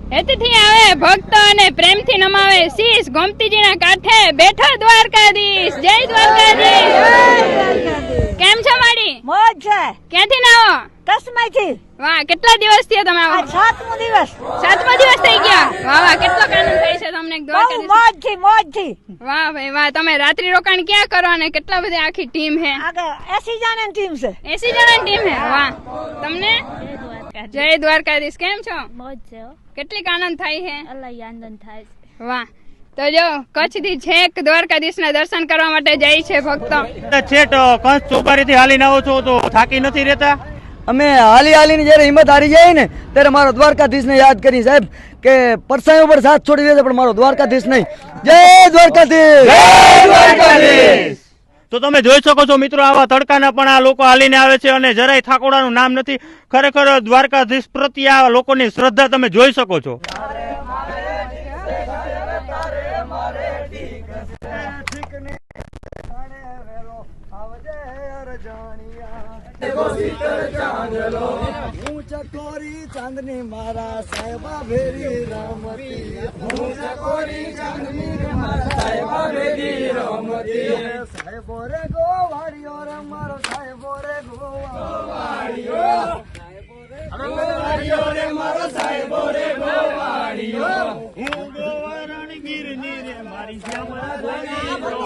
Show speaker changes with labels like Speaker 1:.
Speaker 1: હેતથી આવે ભક્તો અને પ્રેમથી નમાવે શીશ ગોમતીજીના કાંઠે બેઠો દ્વારકાધીશ. જય દ્વારકાધીશ. કેમ છો માડી?
Speaker 2: મોજ છે.
Speaker 1: ક્યાંથી ના આવો?
Speaker 2: કસમાઈથી.
Speaker 1: વાહ, કેટલા દિવસ થયા તમે આવો?
Speaker 2: 7મો દિવસ.
Speaker 1: 7મો દિવસ થઈ ગયા. વાહ વાહ, કેટલો આનંદ થાય છે તમને દ્વારકાધીશ.
Speaker 2: મોજથી.
Speaker 1: વાહ ભાઈ વાહ. તમે રાત્રિ રોકાણ ક્યાં કરો અને કેટલા બધી આખી ટીમ હે?
Speaker 2: આગળ 80 જણાની ટીમ છે.
Speaker 1: 80 જણાની ટીમ હે. વાહ. તમને જય દ્વારકાધીશ. કેમ છો?
Speaker 2: મોજ છે.
Speaker 1: કેટલીક આનંદ થાય છે?
Speaker 2: અલગ આનંદ થાય છે.
Speaker 1: વાહ. તો જો કચ્છ થી છેક દ્વારકાધીશના દર્શન કરવા માટે જાય છે ભક્તો.
Speaker 3: છેટ કંસ ચોપારીથી હાલીને આવો છો તો થાકી નથી રહેતા?
Speaker 4: અમે હાલીને જયારે હિંમત હારી જાય ને ત્યારે મારો દ્વારકાધીશને યાદ કરી સાહેબ કે પરસાઈ ઉપર સાથ છોડી દે પણ મારો દ્વારકાધીશ નહીં. જય દ્વારકાધીશ.
Speaker 3: જય દ્વારકાધીશ. તો તમે જોઈ શકો છો મિત્રો, આવા તડકાના પણ આ લોકો હાલીને આવે છે અને જરાય થાકોડાનું નામ નથી. ખરેખર દ્વારકાધીશ પ્રત્યે આ લોકોની શ્રદ્ધા તમે જોઈ શકો છો.
Speaker 4: હું ચકોરી ચાંદની મારા સાહેબા ભેરી રમતી. હું ચકોરી ચાંદની મારા સાહેબા ભેરી રમતી. સાહેબો રે ગોવાળિયો રે મારો સાહેબો રે ગોવાળિયો.